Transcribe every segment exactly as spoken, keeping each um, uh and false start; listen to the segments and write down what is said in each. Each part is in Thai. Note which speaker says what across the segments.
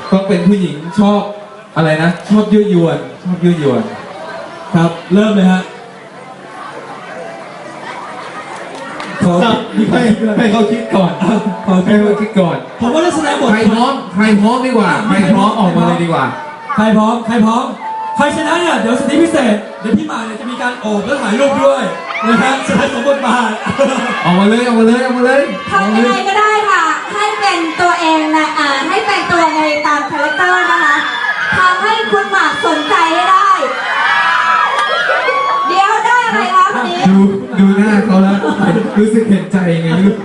Speaker 1: ต้องเป็นผู้หญิงชอบอะไรนะชอบยั่วยวนชอบยั่วยวน
Speaker 2: ครับเริ่มเลยฮะขอให้ให้เขาคิดก่อนขอให้เขาคิดก่อนผมว่าลักษณะบท
Speaker 1: ใครพร้อมใครพร้อมดีกว่าใครพร้อมออกมาเลยดีกว่า
Speaker 2: ใครพร้อมใครพร้อมใครชนะเนี่ยเดี๋ยวสถิติพิเศษเดี๋ยวพี่มาเนี่ยจะมีการโอบและถ่ายรูปด้วยนะฮะแสดงสมบทบาท
Speaker 1: ออกมาเลยออกมาเลยออกมาเลย
Speaker 3: ทำยังไงก็ได้ค่ะให้เป็นตัวเองนะอ่าให้เป็นตัวในตามคาแรคเตอร์นะคะทำให้คุณหมากสนใจให้ได้เดี๋ยวได้อะไรคะวันนี้
Speaker 1: ดูดูหน้าเขาแล้วรู้สึกเห็นใจไงลูก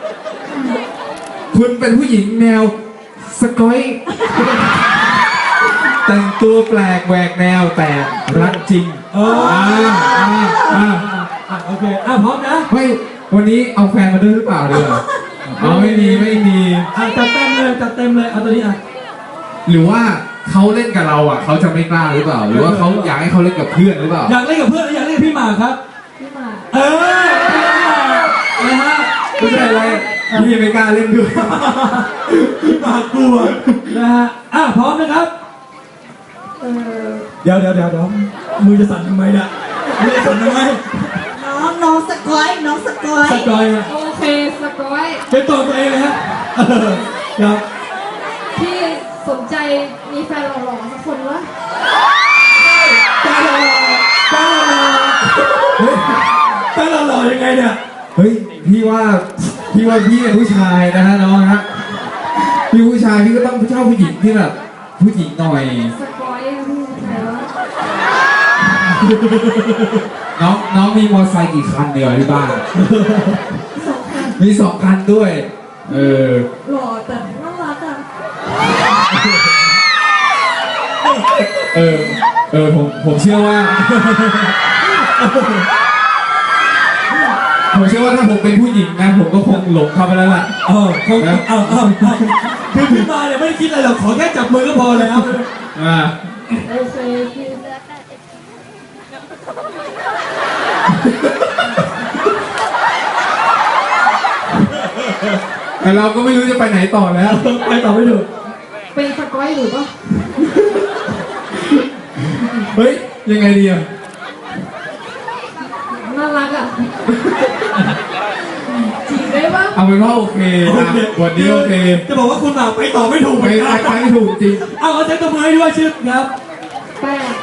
Speaker 1: คุณเป็นผู้หญิงแนวสกอยแต่งตัวแปลกแหวกแนวแต่รักจริง
Speaker 2: เอออ่าอ่าอ่าโอเคอ่ะพร้อมนะ
Speaker 1: ไม่วันนี้เอาแฟนมาด้วยหรือเปล่าเดี๋ยวอ๋อไม่มีไม่มี
Speaker 2: อ่ะจัดเต็มเลยจัดเต็มเลยเอาตัวนี้อ่ะ
Speaker 1: หรือว่าเขาเล่นกับเราอ่ะเขาจะไม่กล้าหรือเปล่าหรือว่าเขาอยากให้เขาเล่นกับเพื่อนหรือเปล่า
Speaker 2: อยากเล่นกับเพื่อนหรืออยากเล่นกับพี่หมากครับ
Speaker 3: พี่หมาก
Speaker 2: เออนะฮะ
Speaker 1: ไม่ใช่อะไรพี่ไม่กล้าเล่นด้วย
Speaker 2: พี่หมากกลัวนะฮะอ่ะพร้อมนะครับเดี๋ยวเดี๋ยวเดี๋ยวเดี๋ยวมือจะสั่นทำไมเนี่ยมือจะสั่นทำไม
Speaker 3: น้องน้องสกอยน้องสกอย
Speaker 2: สกอย
Speaker 3: โอเคสกอย
Speaker 2: เป็นตัวตัวเองเลยฮะครับ
Speaker 3: พี่สนใจมีแฟนหล่อๆสักคนวะ
Speaker 2: แฟนหล่อแฟนหล่อเฮ้ยแฟนหล่อยังไงเนี่ย
Speaker 1: เฮ้ยพี่ว่าพี่ว่าพี่เป็นผู้ชายนะฮะน้องฮะพี่ผู้ชายพี่ก็ต้องชอบผู้หญิงที่แบบผู้หญิงหน่อย
Speaker 3: สกอยพี่ใครวะ
Speaker 1: น้องน้องมีมอเตอร์ไซค์กี่คันเดียวที่บ้าน
Speaker 3: สองคัน
Speaker 1: มีสองคันด้วยเออ
Speaker 3: หล่อแต่น่ารักอ่ะ
Speaker 1: เออเออผมผมเชื่อว่าผมเชื่อว่าถ้าผมเป็นผู้หญิงนะผมก็คงหลงเข้าไปแล้วล่ะ
Speaker 2: เออคงนะเอาเอาคือพี่มาเนี่ยไม่ได้คิดอะไรหรอกขอแค่จับมือก็พอแล้ว
Speaker 1: อ่า
Speaker 3: โอเคพี่
Speaker 1: แต่เราก็ไม่รู้จะไปไหนต่อแล้ว
Speaker 2: ไปต่อไม่ถูก
Speaker 3: เป็นสกอยหรือปะ
Speaker 1: เฮ้ยยังไงดีอ่ะ
Speaker 3: น่ารักอ่ะจริงได้ปะ
Speaker 1: เอาเป็นว่าโอเคนะวันนี้โอเค
Speaker 2: จะบอกว่าคุณหมากไปต่อไม่ถูก
Speaker 1: ไปไปไม่ถูกจริง
Speaker 2: เอาเอาเซ็ตตัวมือให้ด้วยชื่อครับ
Speaker 3: แป้ง